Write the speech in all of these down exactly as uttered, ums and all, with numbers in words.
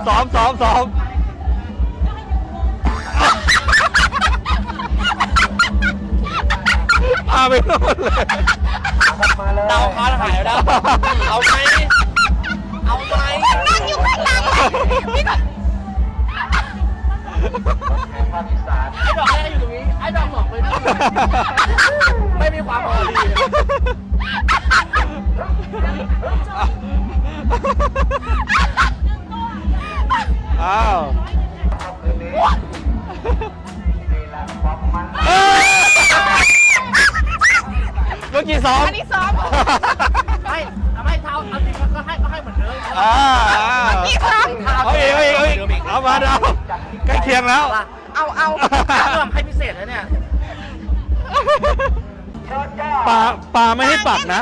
ซ้อมซ้อมซ้อมพาไปโน่นเลยดาวค้าหายแล้วเอาไหมเอาไหมนั่งอยู่ข้างหลังพี่ก็ไอ้ดอกแรกอยู่ตรงนี้ไอ้ดอกหมอกไปนู่นไม่มีความพอดีอ้าวเมื่อกี้ซ้อมอันนี้ซ้อมไม่ทำให้เท้าเอาจริงก็ให้ก็ให้เหมือนเดิมอ่าพี่ซ้อมเอาอีกเอาอีกเอาอีกเอามาดาวใกล้เคียงแล้วเอาเอาเริ่มให้พิเศษแล้วเนี่ยปลาปลาไม่ให้ปักนะ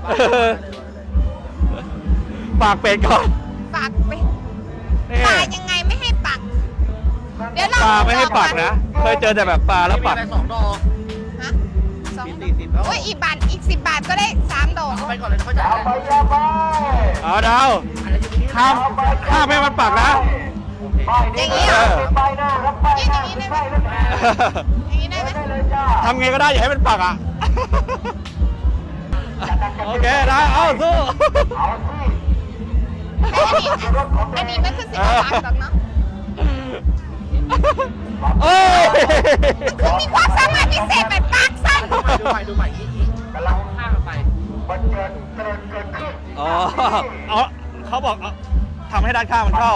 ปากเป็ดก่อนปากไปนี่ปลายังไงไม่ให้ปักเดี๋ยวเราปลาไม่ให้ปักนะเคยเจอแต่แบบปลาแล้วปักมีไปสองดอกฮะสองสี่สิบแล้วโอ้ยอีกบาทอีกสิบบาทก็ได้สามดอกเอาไปก่อนเลยเขาจ่ายเลยเอาดาวอะไรอยู่ตรงนี้ห้ามห้ามให้มันปักนะอย่างนี้เหรอยืดอย่างนี้ได้ไหมอย่างนี้ได้ไหมทำไงก็ได้อย่าให้มันปักอ่ะโอเคได้เอาสู้อันนี้อันนี้ไม่คือสิบบาทหรอกเนาะเอ้ยคือมีความสามารถพิเศษแบบปากสั้นดูใหม่ดูใหม่ดูใหม่อีกอีกกำลังข้ามไปอ๋อเอาเขาบอกเอาทำให้ด้านข้างมันเข้า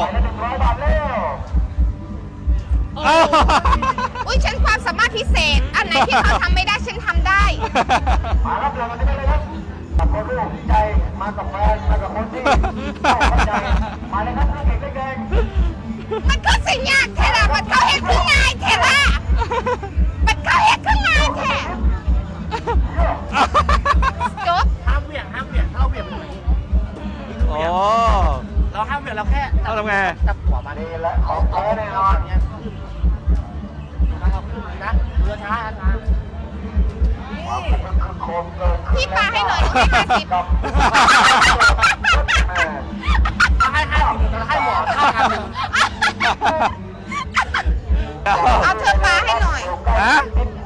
อ้าวอุ้ยฉันความสามารถพิเศษ อันไหนที่เขาทำไม่ได้ฉันทำได้มารับเรือกันได้เลยครับกับคนลูกใจมากับแฟนมากับคนที่เข้าใจมาเลยครับเก่งได้เก่งมันก็สิยากแท้ละมันเขาเห็นขึ้นง่ายแท้ละมันเขาเห็นขึ้นง่ายแท้จบห้ามเหวี่ยงห้ามเหวี่ยงถ้าเราเหวี่ยงมันอย่างนี้อ๋อเราห้ามเหวี่ยงเราแค่เอาทำไงจับหัวมาดีดิและของแท้แน่นอนเนี้ยขึ้นนะเรือช้าช้าโคมเกินพี่ปาให้หน่อยได้ห้าสิบเราให้ห้าสิบเราให้หมอค่ากันหนึ่งเอาเธอปาให้หน่อยฮะ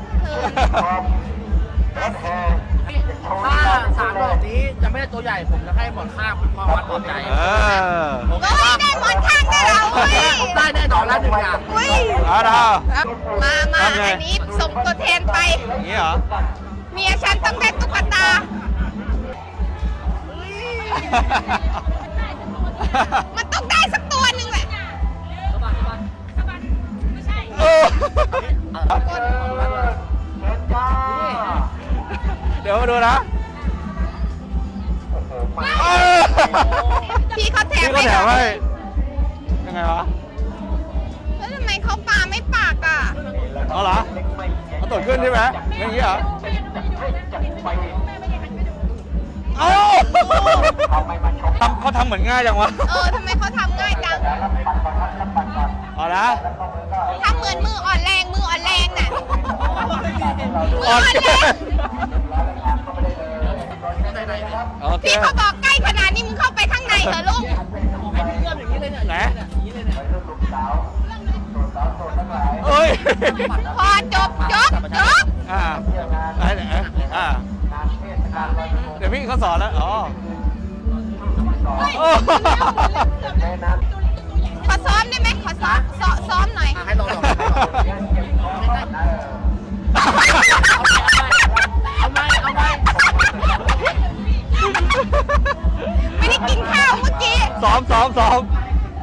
ถ้าสามดอกนี้จะไม่ได้ตัวใหญ่ผมจะให้หมอนข้างเป็นความวัดปลอบใจเออโอเคเฮ้ยปะได้หมอนข้างได้เราเว้ยผมได้แน่นอนแล้วหนึ่งอย่างอุ้ยเอาดาวครับมามาทำไงอันนี้ส่งตัวแทนไปอย่างนี้เหรอเมียฉันต้องได้ตุ๊กตา มันต้องได้สักตัวหนึ่งแหละเออ เดี๋ยวมาดูนะเออพี่เขาแถพี่มก็ให้แถเรามให้ยังไงวะแล้วทำไมเขาปาไม่ปากอ่ะเอาเหรอเอาตดขึ้นใช่ไหมอย่างนี้เหรอเอ้าทำเขาทำเหมือนง่ายจังวะเออทำไมเขาทำง่ายจังเอาละทำเหมือนมืออ่อนแรงมืออ่อนแรงน่ะมืออ่อ่ออน นเกิแรงนโอเคพี่เขาบอกใกล้ขนาดนี้มึงเข้าไปข้างในเหรอลูกให้พี่เอื้อมอย่างนี้เลยเนี่ยไหนอย่างนี้เลยเนี่ยเอ้ยพอจบจบจบอ่าไหนไหนอ่าเดี๋ยวพี่เขาสอนแล้วอ๋อโอ้ขอซ้อมได้ไหมขอซ้อมซ้อมซ้อมหน่อยอ่ะให้ลองลองให้ลองเอาไหมเอาไหมไม่ได้กินข้าวเมื่อกี้ซ้อมซ้อมซ้อม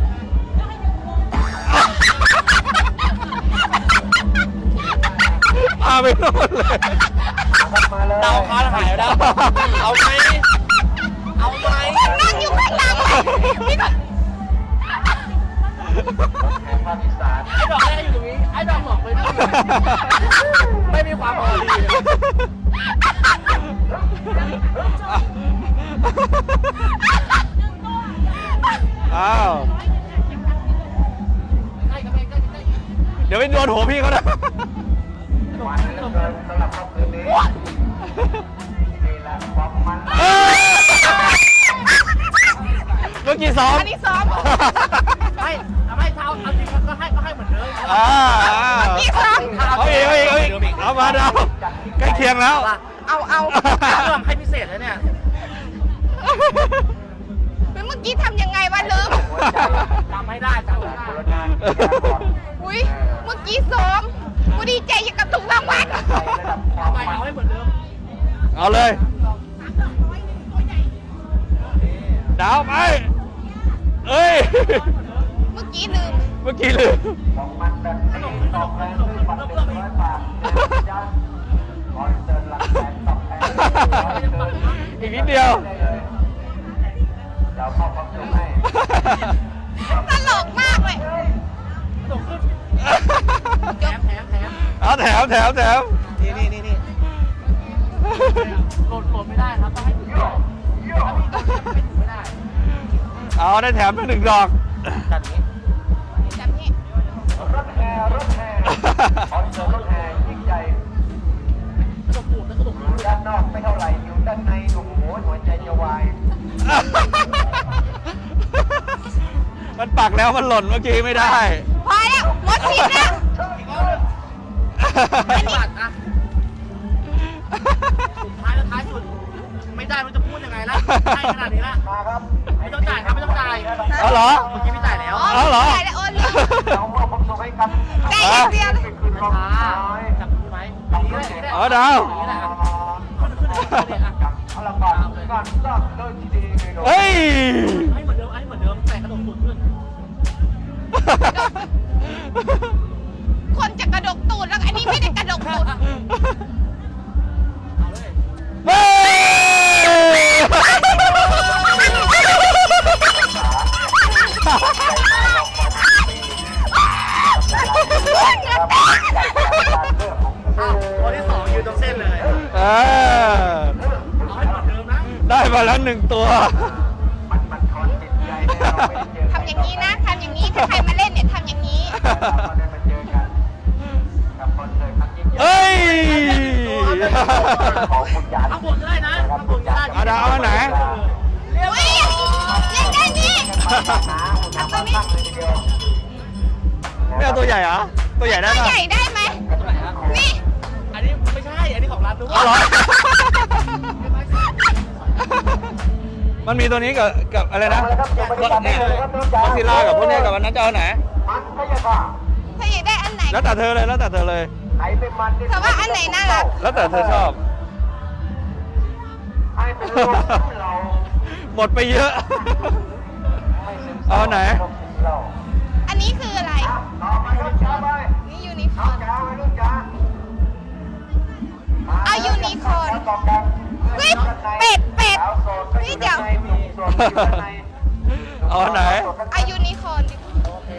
พาไปโน่นเลยดาวค้าหายแล้วเอาไหมเอาไหมนั่งอยู่ข้างหลังพี่ก็ไอ้ดอกแรกอยู่ตรงนี้ไอ้ดอกหมอกไปนู่นไม่มีความพอดีอ้าวเดี๋ยวไปโดนหัวพี่เขานะวันเหลือเกินสำหรับค่ำคืนนี้นี่แหละความมันเอ้ยเมื่อกี้ซ้อมอันนี้ซ้อมไม่เอาเอาจริงก็ให้ก็ให้เหมือนเดิมอ่าพี่สองเอาอีกเอาอีกเอาอีกเอามาดาวใกล้เคียงแล้วเอาเอาลองให้พิเศษเลยเนี่ยเมื่อกี้ทำยังไงวะลืมจำไม่ได้จำไม่ได้อุ้ยเมื่อกี้ซ้อมกูดีใจอย่างกับถูกรางวัลเอาไปเอาให้เหมือนเดิมเอาเลย ดาวไปเอ้ยเมื่อกี้ลืมเมื่อกี้ลืมของมันแบบนี้ตอบแทนด้วยบัตรหนึ่งร้อยบาทยันคอนเสิร์ตหลักแสนตอบแทนอีกนิดเดียวเราเข้าความสุขให้ตลกมากเลยกระโดดขึ้นแถมแถมแถมเอาแถมแถมแถมนี่นี่นี่นี่โหลดโหลดไม่ได้ครับต้องให้ถึงก่อนถ้าพี่โหลดไม่ถึงไม่ได้เอาได้แถมไปหนึ่งดอกแบบนี้แบบนี้รถแห่รถแห่คอนเสิร์ตรถแห่ยิ่งใหญ่กระโดดปูดแล้วกระโดดอยู่ด้านนอกไม่เท่าไหร่อยู่ด้านในโอ้โหหัวใจจะวายมันปักแล้วมันหล่นเมื่อกี้ไม่ได้พอแล้วหมดสิทธิ์แล้วอีกรอบนึงไม่บาดอะสุดท้ายแล้วท้ายสุด ไม่ได้มันจะพูดยังไงล่ะให้ขนาดนี้ละมาครับไม่ต้องจ่ายครับไม่ต้องจ่ายเอาเหรอเมื่อกี้ไม่จ่ายแล้วเอาเหรอจ่ายแล้วโอนเลยเรามอบความสุขให้กับจ่ายอย่างเดียวเลยคืนรองช้าน้อยจับมือไหมอย่างนี้แหละอย่างนี้แหละเอาดาวอย่างนี้แหละขึ้นขึ้นขึ้นเลยอ่ะพลังบาลการสร้างโดยที่ดีเลยเฮ้ยให้เหมือนเดิมให้เหมือนเดิมแต่กระโดดสุดขึ้นคนจะกระดกตูดแล้วอันนี้ไม่ได้กระดกตูดเอาเลยเฮ้ยอ้าวตัวที่สองยืนตรงเส้นเลยเออเอาให้เหมือนเดิมนะได้มาแล้วหนึ่งตัวมันมันคอนจิตใจเราไม่ได้เจอทำอย่างนี้นะทำอย่างนี้ถ้าใครมาเล่นเนี่ยทำอย่างนี้เราได้มาเจอกันกับคอนเสิร์ตครั้งยิ่งใหญ่เอ้ยของคุณยานข้างบนก็ได้นะข้างบนก็ได้เอาดาวเอาไหนอุ้ยเล่นได้นี่ทำตัวนี้เลยทีเดียวไม่เอาตัวใหญ่เหรอ ตัวใหญ่ได้ตัวปะใหญ่ได้ไหมนี่อันนี้ไม่ใช่ อันนี้ของร้านนู้นเอาเหรอ มันมีตัวนี้กับกับอะไรนะเนี่ยก็ซิล่ากับพวกเนี้ยกับวันนั้นจะเอาไหนมันไม่ใช่ค่ะถ้าอยากได้อันไหนแล้วแต่เธอเลยแล้วแต่เธอเลยไอ้เป็นมันแต่ว่าอันไหนน่ารักแล้วแต่เธอชอบไอ้เป็นลูกเราหมดไปเยอะ เอาไหนอันนี้คืออะไรต่อไปครับจ้าไปนี่ยูนิคน้อองร์นจ้าไปลูกจ้าเอายูนิคอร์น เฮ้ยเป็ดเป็ดนี่เดี๋ยวเอาไหนเอายูนิคอร์นดิโอเค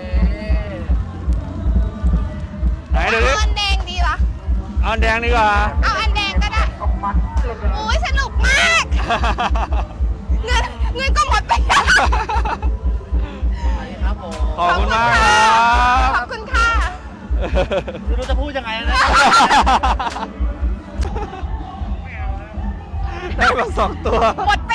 ไหนดูดิเอาอันแดงดีวะเอาอันแดงดีกว่าเอาอันแดงก็ได้โอ้ยสนุกมาก เงินเงินก็หมดไปแล้วอันนี้ครับผมขอบคุณมากครับขอบคุณค่ะไม่รู้จะพูดยังไงนะได้มาสองตัวหมด